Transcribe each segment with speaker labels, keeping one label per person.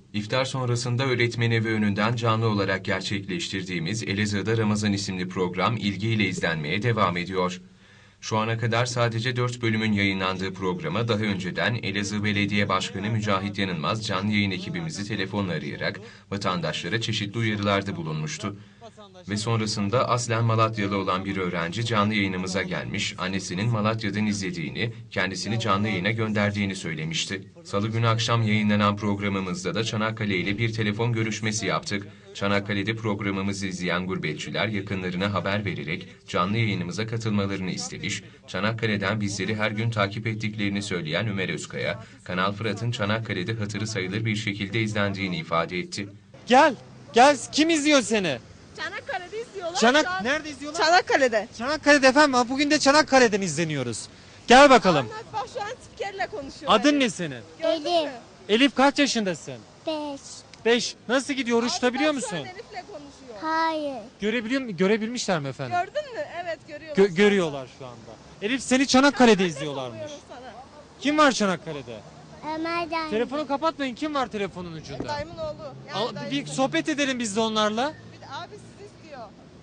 Speaker 1: İftar sonrasında öğretmen evi önünden canlı olarak gerçekleştirdiğimiz Elazığ'da Ramazan isimli program ilgiyle izlenmeye devam ediyor. Şu ana kadar sadece 4 bölümün yayınlandığı programa daha önceden Elazığ Belediye Başkanı Mücahit Yanılmaz canlı yayın ekibimizi telefonla arayarak vatandaşlara çeşitli uyarılarda bulunmuştu. Ve sonrasında aslen Malatyalı olan bir öğrenci canlı yayınımıza gelmiş, annesinin Malatya'dan izlediğini, kendisini canlı yayına gönderdiğini söylemişti. Salı günü akşam yayınlanan programımızda da Çanakkale ile bir telefon görüşmesi yaptık. Çanakkale'de programımızı izleyen gurbetçiler yakınlarına haber vererek canlı yayınımıza katılmalarını istemiş, Çanakkale'den bizleri her gün takip ettiklerini söyleyen Ömer Özkaya, Kanal Fırat'ın Çanakkale'de hatırı sayılır bir şekilde izlendiğini ifade etti.
Speaker 2: Gel, kim izliyor seni?
Speaker 3: Çanakkale'de izliyorlar.
Speaker 2: Nerede izliyorlar?
Speaker 3: Çanakkale'de.
Speaker 2: Çanakkale'de efendim. Bugün de Çanakkale'den izleniyoruz. Gel bakalım.
Speaker 3: Anlat bak şu an spikerle konuşuyor.
Speaker 2: Adın ne senin?
Speaker 3: Gördün mü?
Speaker 4: Elif.
Speaker 2: Elif kaç yaşındasın?
Speaker 4: 5.
Speaker 2: 5. Nasıl gidiyor? Oruç tutabiliyor
Speaker 3: Bak şu an
Speaker 2: musun?
Speaker 3: Elif'le konuşuyor.
Speaker 4: Hayır.
Speaker 2: Görebilmişler mi efendim?
Speaker 3: Gördün mü? Evet görüyorlar.
Speaker 2: Görüyorlar şu anda. Elif seni Çanakkale'de izliyorlarmış.
Speaker 3: Soruyorum sana.
Speaker 2: Kim var Çanakkale'de?
Speaker 4: Ömer dayı.
Speaker 2: Telefonu kapatmayın. Kim var telefonun ucunda?
Speaker 3: Dayımın oğlu. Yani
Speaker 2: Al,
Speaker 3: dayımın
Speaker 2: bir sohbet edelim biz de onlarla.
Speaker 3: Bir de abi sizi istiyor.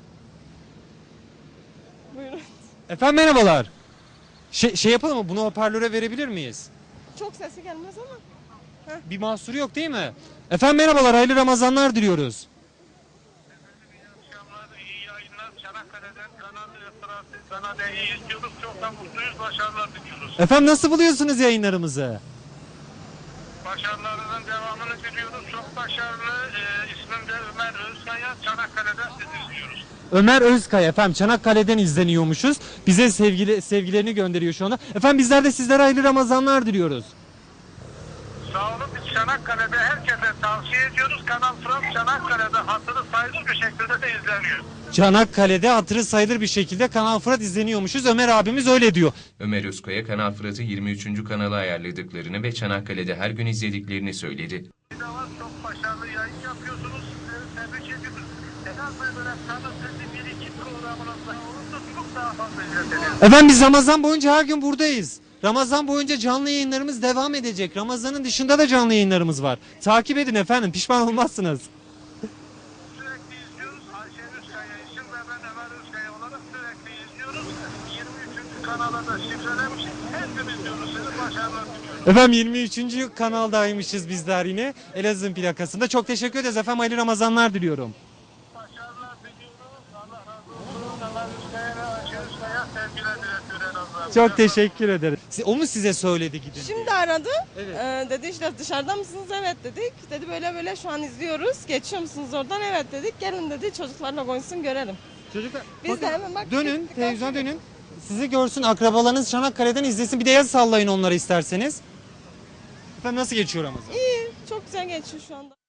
Speaker 3: Buyurun.
Speaker 2: Efendim merhabalar. Şey yapalım mı? Bunu hoparlöre verebilir miyiz?
Speaker 3: Çok sesi gelmez ama.
Speaker 2: Bir mahsuru yok değil mi? Efendim merhabalar. Hayırlı Ramazanlar diliyoruz.
Speaker 5: İyi yayınlar. Çanakkale'den Kanal iyi izliyoruz. Çok da mutluyuz. Başarılar diliyoruz.
Speaker 2: Efendim nasıl buluyorsunuz yayınlarımızı?
Speaker 5: Başarılarının devamını diliyoruz. Çok başarılı. İsmim de Ömer Özkaya. Çanakkale'den sizi izliyoruz.
Speaker 2: Ömer Özkaya efendim Çanakkale'den izleniyormuşuz. Bize sevgilerini gönderiyor şu anda. Efendim bizler de sizlere hayırlı Ramazanlar diliyoruz.
Speaker 5: Sağ olun. Biz Çanakkale'de herkese tavsiye ediyoruz. Kanal Fırat Çanakkale'de hatırı sayılır bir şekilde de izleniyor.
Speaker 2: Çanakkale'de hatırı sayılır bir şekilde Kanal Fırat izleniyormuşuz. Ömer abimiz öyle diyor.
Speaker 1: Ömer Özkaya, Kanal Fırat'ı 23. kanala ayarladıklarını ve Çanakkale'de her gün izlediklerini söyledi.
Speaker 5: Bir de var. Çok başarılı yayın yapıyorsunuz. Sizleri tebrik ediyoruz. En az böyle Kanal Fırat'ın bir iki programınızda olursa çok daha fazla izleniyor.
Speaker 2: Efendim biz Ramazan boyunca her gün buradayız. Ramazan boyunca canlı yayınlarımız devam edecek. Ramazanın dışında da canlı yayınlarımız var. Takip edin efendim, pişman olmazsınız.
Speaker 5: Sürekli izliyoruz. Ayşe Özkaya için ve ben Ömer Özkaya olarak sürekli izliyoruz. 23. kanala da şifrelemişiz. Her gün izliyoruz. Sizi başarılar diliyorum.
Speaker 2: Efendim 23. kanaldaymışız bizler yine. Elazığ'ın plakasında. Çok teşekkür ederiz efendim. Hayırlı Ramazanlar diliyorum.
Speaker 5: Başarılar diliyoruz. Allah razı olsun. Ömer Özkaya ve Ayşe Özkaya sevgiler diletiyor en azından.
Speaker 2: Çok teşekkür ederim. O mu size söyledi gidin?
Speaker 3: Şimdi aradı.
Speaker 2: Evet.
Speaker 3: Dedi işte dışarıda mısınız? Evet dedik. Dedi böyle şu an izliyoruz. Geçiyor musunuz oradan? Evet dedik. Gelin dedi çocuklarla konuşsun görelim.
Speaker 2: Çocuklar
Speaker 3: Biz
Speaker 2: bakın,
Speaker 3: de hemen bak.
Speaker 2: dönün,
Speaker 3: gittik,
Speaker 2: televizyona
Speaker 3: baktık.
Speaker 2: dönün. Sizi görsün, akrabalarınız Çanakkale'den izlesin. Bir de yazı sallayın onlara isterseniz. Efendim nasıl geçiyor Ramazan?
Speaker 3: İyi. Çok güzel geçiyor şu anda.